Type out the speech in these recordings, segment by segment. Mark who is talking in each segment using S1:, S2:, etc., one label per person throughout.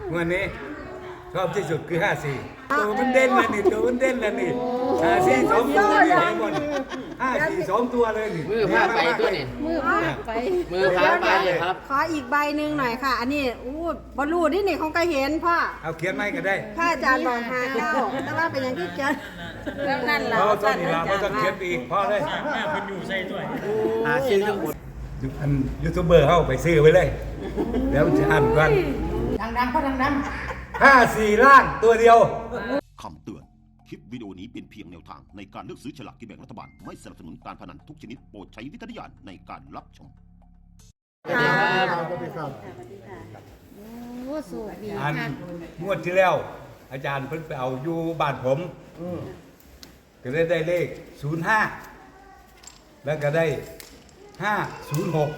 S1: วันนี้ชอบที่สุดคือ54ตัวมันเด่นเลยนี่ตัวมันเด่นเลยนี่54 2ตัวนี่เห็นหมด54 2ตัวเลยนี่
S2: มือพาไปตัวนี่
S3: มือพาไป
S2: มือพาไปเลยครับ
S3: ขออีกใบหนึ่งหน่อยค่ะ อันนี้บอลลูนี่เขาก็เห็นพ่อ
S1: เอาเขียนไม่ก็ได้
S3: พระอาจารย์บอกหาเก้าแต่ว่าเป็นอย่างที่เขียนแล้วนั่นแหละ
S1: เราต้องนี่เราต้องเขียนอีกพอเลย
S4: แม่คนอยู่ใส่ด้วย
S2: ซื้อทั้งหมด
S1: อันยูทูบเบอร์เข้าไปซื้อไว้เลยแล้วจะอ่านกัน
S3: ดังๆก็ดัง
S1: 54ล่างตัวเดียว
S5: คำเตือน คลิปวิดีโอนี้เป็นเพียงแนวทางในการเลือกซื้อฉลากกินแบ่งรัฐบาล ไม่สนับสนุนการพนันทุกชนิดโปรดใช้วิจารณญาณในการรับชม
S2: สวัสดีครับ
S3: สวัสดีค่ะโอ้สวัสดี
S1: อัน
S3: ค่ะ
S1: งวดที่แล้ว อาจารย์เพิ่นไปเอาอยู่บ้านผมก็ได้เลข05แล้วก็ได้506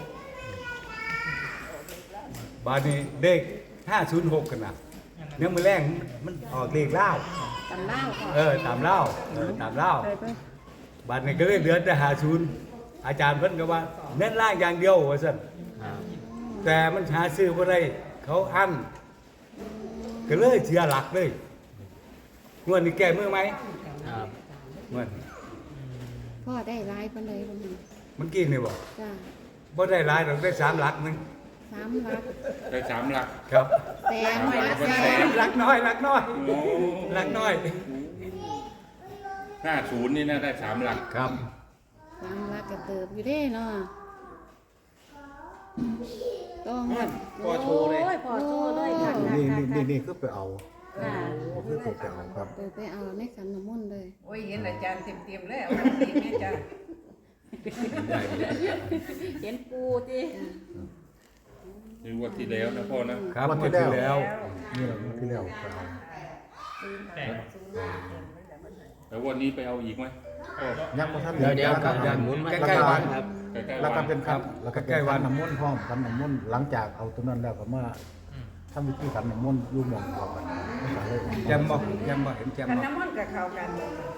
S1: บาดนี้เลข506กันนะเนี่ยมือแรงมันออกเลขเล่า
S3: ตำเล่าค่ะ
S1: ตามเล่าตามเล่าบาดนี้ก็เลยเหลือแต่50อาจารย์เพิ่นก็ว่าเน้นล่างอย่างเดียวว่าซั่นแต่มันหาซื้อบ่ได้เขาอั้นก็เลยเสียหลักเลยงวดนี้แก้มือไหม
S2: ครับ
S1: งวด
S3: พ่อได้ลายปานใดบ่มี
S1: มันกินนี่บ่
S3: จ้า
S1: บ่ได้หลายดอกได้3หลักนึง
S3: 3 หลัก
S4: ได้3 หลัก
S1: ครับ
S3: แต่ไม่ละแสน
S1: หลักน้อยหลักน้อยหลักน้อย
S4: 50นี่นะได้3 หลัก
S1: ครับ
S3: 3 หลักก็เติบอยู่เด้เนาะต้อง
S4: พอโชว์เลย
S3: พอโชว์เลยค่ะ
S6: นี่คือไปเอาคือไปเอาครับ
S3: ไปเอาในขันน้ำมนต์เลย
S7: โอ้ยเห็นอาจารย์เต็มๆแล้วดีแม่จ้า
S3: เห็นปูจี
S4: นี่วันที่แล้วนะพ่อนะครับ
S1: วันที่แล้ว
S6: นี่เราที่แล้วไปเอา
S4: แล้ววันนี้ไปเอาอีกไหม
S6: ยังมาท่าน
S2: เดี๋ยวครับหมุนมาใกล้ๆวันครับ
S6: แล้วก็เป็นครับแล้วก็ใกล้วันน้ำมนต์พร้อมกันน้ำมนต์หลังจากเอาตัวนั้นแล้วก็มาทำวิธีกันน้ำมนต์ยุ่งมองเขากัน
S1: แจมบ่เห็นแจม
S7: กัน
S1: บ่
S7: น้ำมันกับเขากัน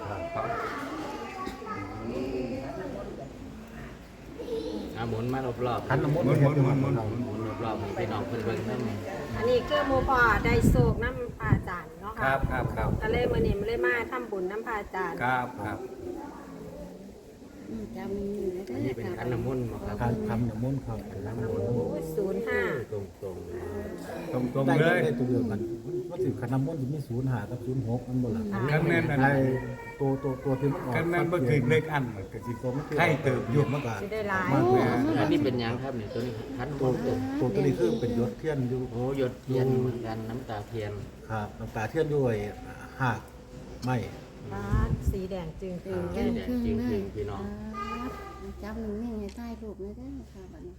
S2: หมุนมารอบๆ
S6: ขันน้ำมนต์
S2: หมุนรอบๆให้พี่น้องเพิ่นเบิ่งนำ
S3: อันนี้คือหมู่พ่อได้โศกน้ำพระอาจารย์เนาะค่ะ
S1: ครับ
S3: ก็เลยมื้อนี้มันเลยมาทำบุญน้ำพระอาจารย์
S1: ครับ
S3: จำมีอยู่นะ
S2: อันนี้เป็นขันน้ำมนต์ครับ
S6: ขันน้ำมนต์ครับขันน้ำมนต์
S3: 05
S1: ตรงเลย
S6: ได้ตัวเดียวกันว่าถึงขันน้ำมนต์จะมี05กับ06มันบ่ล่ะ
S1: กันแม่นอัน
S6: ไอ้ตัวที่มันออก
S1: กันแม่นบ่ถึงเลขอันมันก็สิให้เติบอยู่
S6: มันก็
S3: สิได้หลาย
S2: อันนี้เป็นหยังครับเนี่ยตัวนี้ขัน
S6: ตัวนี้คือเป็นยศเทียนอยู่
S2: โอ้หยดเทียนเหมือนกันน้ำตาเทียน
S6: ครับน้ำตาเทียนด้วยหากไม้
S3: บ้าสีแดงจึงคือ
S2: จริงพี่น้อง
S3: จับหนึ่งให้ใต้รูปไม่ได้ค่ะบัดนี้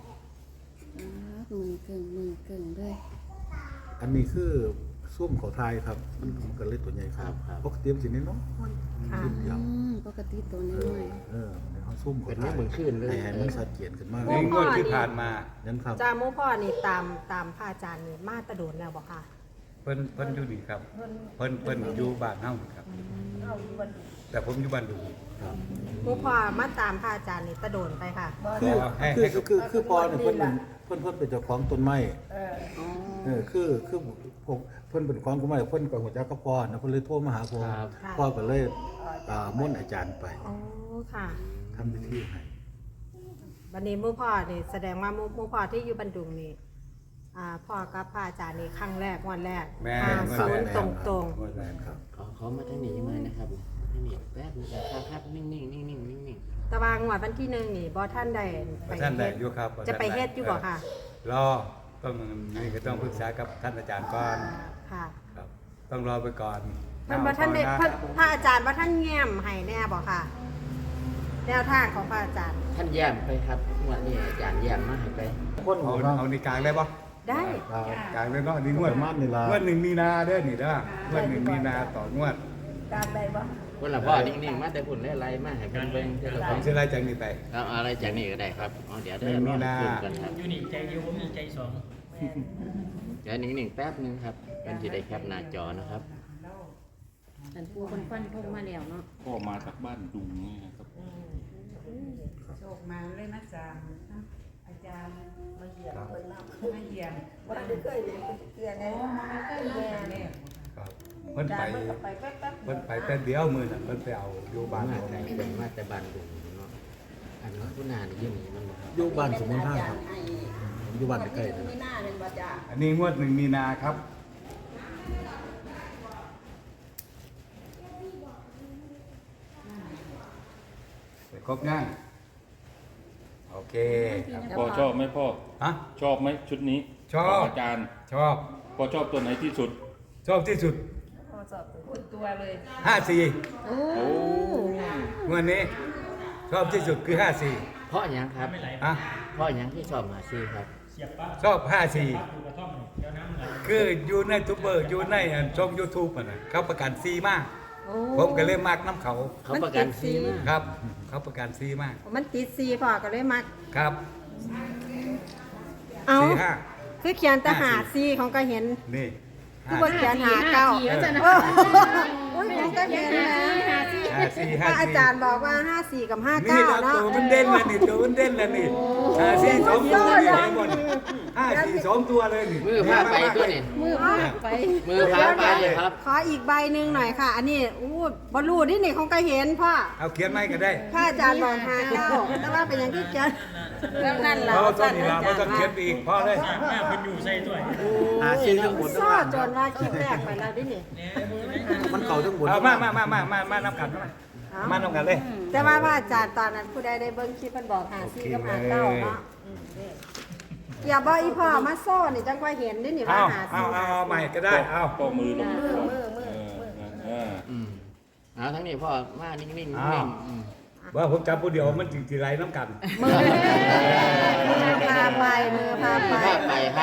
S3: มือเก่งด้วย
S6: อันนี้คือส้มเขาไทยครับมันก็เลยตัวใหญ่ครับปกติมันสิน้อย
S3: ปกติตัวน้อย
S6: ในห้องส้มเขาไทย
S2: เหมือนขึ้นเลย
S6: ให้มันสัดเกียนขึ้นมาก
S1: งวดที่ผ่านมา
S6: นั่นครับ
S3: จ้าหมู่พ่อนี่ตามพระอาจารย์นี่มาตะโดนแล้วบ่ค่ะ
S1: เพิ่นอยู่นี่ครับเพิ่นอยู่บ้านเฮาครับแต่ผมอยู่บ้านดุง
S3: หมู่พ่อมาตามพระอาจารย์นี่ตะโดนไปค่ะ
S6: คือพอเนี่ยเพิ่นเป็นเจ้าของต้นไม้คือผมเพิ่นเป็นของต้นไม้เพิ่นก็หัวจักกับพ่อนะเพิ่นเลยโทรมาหาพ่อก็เลยม่นอาจารย์ไป
S3: อ๋อค่ะ
S6: ทำพิธีให้
S3: วันนี้หมู่พ่อนี่แสดงว่าหมู่พ่อที่อยู่บ้านดุงนี่พ่อกับพระอาจารย์นี่ครั้งแรกวันแรก50ตรง
S2: ขอมาทางนี้มานะครับนี่แป๊บนึงครับนิ่ง
S3: ตะวางวันที่1นี่บ่ท่านได้ไป
S1: ท่านได้อยู่ครับ
S3: จะไปเฮ็ดอยู่บ่ค่ะ
S1: รอนี่ก็ต้องปรึกษากับท่านอาจารย์ก่อน
S3: ค่ะ
S1: ครับต้องรอไปก่อน
S3: มันบ่ท่านได้พระอาจารย์บ่ท่านแง้มให้แน่บ่ค่ะแนวทางของพระอาจารย์
S2: ท่านแย้มไปครับวันนี้อาจารย์แย้มมาให้ไป
S1: เอาในกลางได้บ่
S3: ได้
S1: กลางเลยเนาะนี่งวด1มีนาเด้อนี่เด้องวด1มีนาต่องวด
S7: ตามได้บ่
S2: คนละพ่อนิ่งๆมาแต่คุณไล่มาให้เพิ่นเบิ่งเท่าไหร่
S1: ผมสิไล่จากนี้ไป
S2: เอาอะไรจากนี้ก็ได้ครับเดี๋ยว
S1: มีนา
S4: อยู่นี่ใจเดียวผมมีใจ2
S2: เดี๋ยวนิ่งๆแป๊บนึงครับกันสิได้แคปหน้าจอนะครับ
S3: ท่านผู้คนฟันทงมาแล้วเนาะ
S4: พ่อมาจากบ้านดุงนี่ครับ
S7: โชคมาเลยนะจ๊ะอาจารย์มาเยี่ยมเพิ่นมาเยี่ยมบ่ได้เคยเห็นเพื่อนไง
S1: พิ่นไป
S7: ไปแป๊บๆ
S1: เพิ่นไปแต่เดียวมื้อนั้นเพิ่นไปเอาอยู่บ้าน
S2: มา
S1: ผม
S2: แต่เป็นมาแต่บ้านดุงเนาะอันนี้ผู้นานี่ยืนนี่มันบ่ครับ
S6: อยู่บ้านสมุนท่าครับผมอยู่บ้านใกล้ๆนะ
S7: มีหน้าเป็นบ่จ้า
S1: อันนี้งวด1 มีนาครับไปครบยังโอเคครับ
S4: พ่อชอบไหมพ่อ
S1: ฮะ
S4: ชอบไหมชุดนี้
S1: ชอบ
S4: ของอาจารย์
S1: ชอบ
S4: พ่อชอบตัวไหนที่สุด
S1: ชอบที่สุด
S7: พูดตัวเลย
S1: 54
S4: โอ้
S1: งวดนี้ชอบที่สุดคือ
S2: เพราะหยังครับ
S1: 54ฮะ
S2: เพราะหยังที่ชอบหาซื้อครับ
S1: ชอบ 54 คืออยู่ในทูบเบอร์อยู่ในช่อง YouTube อ่ะนะเขาประกันซีมาก
S3: โอ้
S1: ผมก็เลยมักน้ำเขา
S2: เขาประกันฟรีมาก
S1: ครับ เขาประกันซีมาก
S3: มันติดซีพ่อก็เลยมัก
S1: ครับ
S3: เอา
S1: 45
S3: คือเขียนแต่หาซีของก็เห็น
S1: นี่
S3: คือบนเขียนหาเก้าโอ้ยของก็เห็นนะ
S1: 54
S3: พระอาจารย์บอกว่า54กับ
S1: นี่
S3: 59
S1: เรา
S3: เนาะ
S1: ตัวมันเด่นแล้วนี่ตัวมันเด่นแล้วนี่54 2 ตัวนี่เห็นหมด54 2 ตัวเลยนี่
S2: มือพาไปตัวนี่
S3: มือพาไป
S2: มือพาไปเลยครับ
S3: ขออีกใบหนึ่งหน่อยค่ะ อันนี้อู้บอลลูนี่นี่ของก็เห็นพ่อ
S1: เอาเขียนไม่ก็ได้
S3: พระอาจารย์บอก59แต่ว่าเป็นอย่างที่เขียนแล้วนั่นล่ะ
S1: เราต้องนี่เราต้องเขียนไปอีกพอเลย
S6: หาซื้อทั้งหมดทั้ง
S3: ซ่อ
S6: บ้าน
S3: จนว่าคลิปแรกไปแล้วดินี่
S6: มันเก่าทั้งหมด
S1: เอามาน้ำกันมาน้ำกันเลย
S3: แต่ว่าพระอาจารย์ตอนนั้นผู้ใดได้เบิ่งคลิปมันบอก54กับ59เนาะเกี่ยวบ่อีพ่อมาโซ่นี่จังว่าเห็นดินี่ว่า
S1: เอาใหม่ก็ได้เอา
S4: พ่อมือลง
S7: มือ
S2: อืมเอาทั้งนี้พ่อมานิ่งๆนิ่ง
S1: อ้าว
S2: ๆอืม
S1: ว่าผมจับผู้เดียวมันถึงทีไรน้ำกัน
S3: มือพาไปมือพาไป
S2: พาไปครับ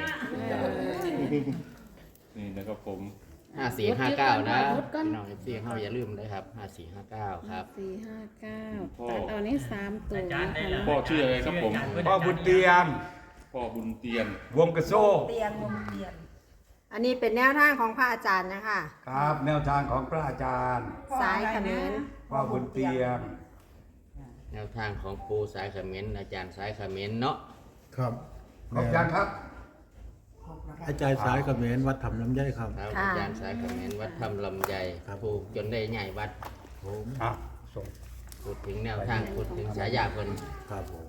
S4: นี่นะครับผม
S2: 5459นะพี่น้อง FC เฮาอย่าลืมเลยครับ5459ครับ
S8: 459ตัดเอานี่3ตัวนะคะ
S4: พ่อชื่ออะไรครับผม
S1: พ่อบุญเตียง
S4: พ่อบุญเตียน
S1: วงกระโซ่
S7: เตียงวงเตียน
S3: อันนี้เป็นแนวทางของพระอาจารย์นะคะ
S1: ครับ แนวทางของพระอาจารย์
S3: สายเขมร
S1: พ่อบุญเตียง
S2: แนวทางของปูสายเขมรอาจารย์สายเขมรเนาะ
S6: ครับ
S1: ขอบคุณครับ
S6: อาจารย์สายเขมรวัดทำน้ำย่อยครับ
S2: ครับอาจารย์สายเขมรวัดถ้ำลำไย
S6: ครับ
S2: ปลูกจนได้ใหญ่วัด
S6: ผม
S1: อ่ะส่ง
S2: พูดถึงแนวทางพูดถึงฉายาเพิ่น
S6: ครับผม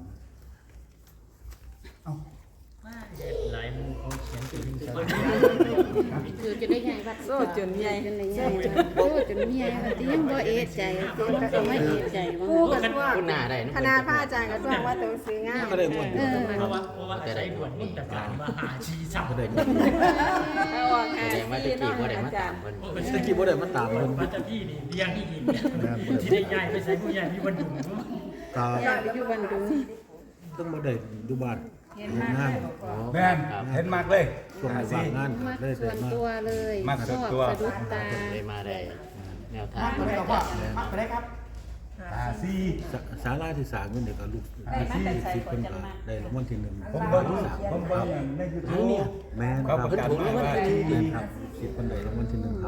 S8: คือจะได้ใหญ่วัดโซ่จนใหญ่จนใหญ่โซ่จนใหญ่ที่ยังบ่เอะใจที่ก็ไม่เอะใจว่า
S3: คู่กันว่า
S2: คุณหน้าได้นะ
S3: คณะพระอาจารย์ก็ต้องว่าตัวซื้องาม
S6: ก็ได้หมด
S2: จะได้หมดนี่ครับ
S6: ก็ได้หมด
S3: เอาออก
S2: แสดงว่าตะกี้บ่ได้มาตามเพิ่น
S6: ตะกี้บ่ได้มาตามเพิ่น
S9: ว่าจะพี่นี่เลี้ยงอีกที่ได้ย้ายไปใส่ผู้ใหญ่พี่วันดุง
S6: ตา
S8: อยากไปอยู่บันดุง
S6: ต้องบ่ได้อยู่บ้านเฮ็ดงาน
S1: แม่นเห็นมากเลย
S6: ช่วงในบางงาน
S8: มัก
S6: ได้
S8: ส่
S6: ได้
S8: วน
S6: มา
S8: ตัวเลย
S1: มักส่วนตัว
S8: ชอบสะดุดตา
S2: เลยมาได้แนวทางของอาจารย์
S6: ศาลาที่สร้างนี่ก็ลูกที่สิบเพิ่นก็ได้รางวัลที่1
S1: ผมเบิ่งผมเบิ่งในยูทูบ
S6: แม่นค
S1: เขา
S6: รับ
S1: ประกาศมาว่าที่
S6: แม่นครับสิบเพิ่นได้รางวัลที่1ครับ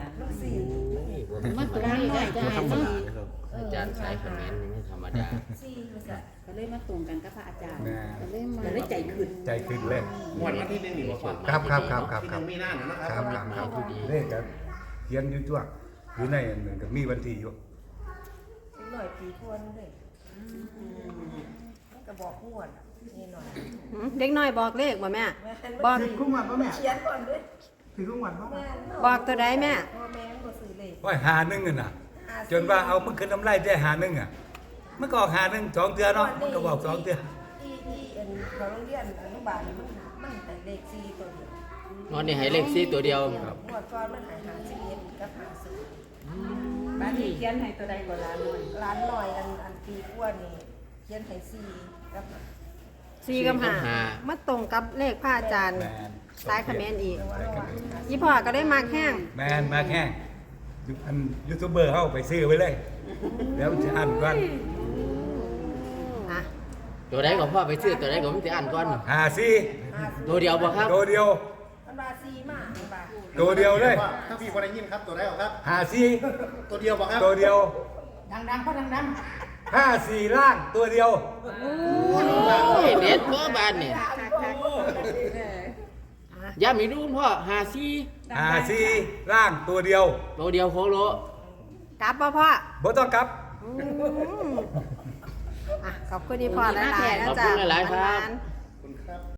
S8: มาตรงนี้ได้
S6: บ่ธรรม
S8: เนาะ
S6: ดานะครับ
S2: อาจารย์สายเขมรนี่ไม่ธรรมดา
S8: ก็เลยมาตรงกันกับพระอาจารย์
S1: แม่
S8: ก็เลยมา
S7: ได้ใจขึ้น
S1: ใจขึ้นเลย
S2: วันที่1นี่บ่
S1: ครับมีหน้านะครับครับเลขกันเขียนอยู่ตัวอยู่ในอันนึงก็มีวันที่อยู่
S7: หน่อยปีทวนเลยก็บอกงวดนี่หน่อย
S3: เด็กน้อยบอกเลขบ่แม่บอก
S1: คุ้มวันป่ะแม่
S7: เขียนก่อนด้วย
S1: ถือคุ้มวันป่ะ
S3: บอกตัวใดแม่
S7: พ่อแม่ก็ซื้อเลย
S1: ว่าหาหนึ่งน่ะ จนว่าเอามันขึ้นน้ำไล่ได้หาหนึ่งอ่ะมันก็ออกหาหนึ่ง2เดือนเนาะมันก็บอก2เดือน
S7: ที่เขาโรงเรียนอนุบาลมันแต่เลข4ตัวเดียว
S2: นอนนี่ให้เลข4ตัวเดียว
S7: งวดก่อนมันหาย51กับ50บ้านนี้เขียนให้ตัวใดก็ล้านหน่อยล้านหน่อยอันปีกว่านี่เขียนให้4กับ
S3: 4กับ5มาตรงกับเลขพระอาจารย์
S1: แมน
S3: สายเขมรอีกยี่พ่อก็ได้มากแห้ง
S1: แมนมาแค่อันยูทูบเบอร์เข้าไปซื้อไว้เลยแล้วจะอ่านก่อน
S3: อ่ะ
S2: ตัวใดก็พ่อไปซื้อตัวใดก็ผมสิอ่านก่อน
S1: หาซี
S2: ตัวเดียวบ่ครับ
S1: ตัวเดียว
S7: มันว่า4มามันว่า
S1: ตัวเดียวเลย
S6: ถ้าพี่บ่ได้ยินครับตัวได้ครับ
S1: หาซี
S6: ตัวเดียวบ่ครับ
S1: ตัวเดียว
S7: ดังๆก็ดัง
S1: 54ล่างตัวเดียว
S2: โอ้ยเด็ดบ่บานนี่
S3: อ่ะ
S2: ย้ำอีกดูพ่อหาซี
S1: หาซีร่างตัวเดียว
S2: ตัวเดียวโคโล
S3: กลับบ่พ่อ
S1: บ่ต้องกลับ
S3: ขอบคุณที่พ่อหลายๆนะจ๊ะ
S2: ขอบคุณหลายๆครับ
S3: หวานๆ